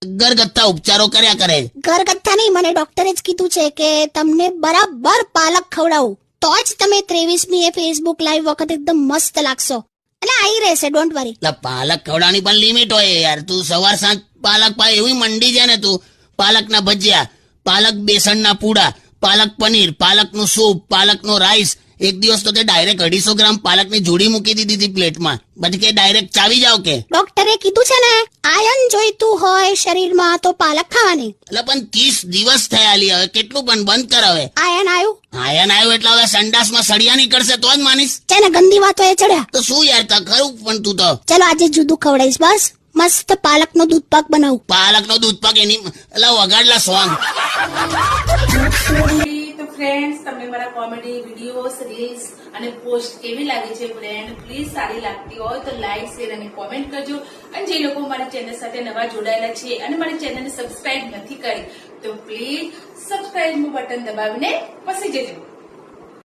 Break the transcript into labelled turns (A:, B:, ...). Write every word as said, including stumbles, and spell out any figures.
A: ઘરગથ્થા ઉપચારો કર્યા કરે.
B: ઘરગથ્થા નહીં, મને ડોક્ટરે જ કીધું છે કે તમને બરાબર પાલક ખવડાવું તો જ તમે ત્રેવીસમી એ ફેસબુક લાઈવ વખત એકદમ મસ્ત લાગશો. એટલે આવી રહેશે, ડોન્ટ વરી.
A: એટલે પાલક ખવડાવવાની પણ લિમિટ હોય યાર. તું સવાર સાંજ પાલક પાય એવી મંડી જાય ને તું. પાલકના ભજીયા, પાલક બેસનના પૂડા, પાલક પનીર, પાલકનું સૂપ, પાલકનો રાઈસ. એક દિવસ તો તે ડાયરેક્ટ અઢીસો ગ્રામ પાલકની જોડી મૂકી દીધી હતી પ્લેટમાં. પછી કે ડાયરેક્ટ ચાવી જાવ કે.
B: ડોક્ટરે કીધું છે ને આયન જોઈતું હોય શરીરમાં તો પાલક ખાવાની.
A: એટલે પણ ત્રીસ દિવસ થયા લી, હવે કેટલું પણ બંધ કર હવે.
B: આયન આવ્યું
A: આયન આવ્યું એટલે હવે સંડાસમાં સળિયા નીકળશે તો જ માનીશ.
B: છે ને ગંદી વાતો એ ચડ્યા
A: તો શું યાર, તા ખરું પણ તું તો.
B: ચલો આજે જુદું ખવડાવીશ. બસ મસ્ત પાલકનો દૂધ પાક બનાવું.
A: પાલકનો દૂધ પાક એની એટલે વગાડલા સોંગ.
C: તો ફ્રેન્ડ્સ, તમને મારા કોમેડી વિડીયોઝ, રીલ્સ અને પોસ્ટ કેવી લાગે છે ફ્રેન્ડ? પ્લીઝ સારી લાગતી હોય તો લાઈક, શેર અને કોમેન્ટ કરજો. અને જે લોકો મારી ચેનલ સાથે નવા જોડાયેલા છે અને મારી ચેનલને સબસ્ક્રાઇબ નથી કરી તો પ્લીઝ સબસ્ક્રાઇબ નું બટન દબાવીને પસી જજો.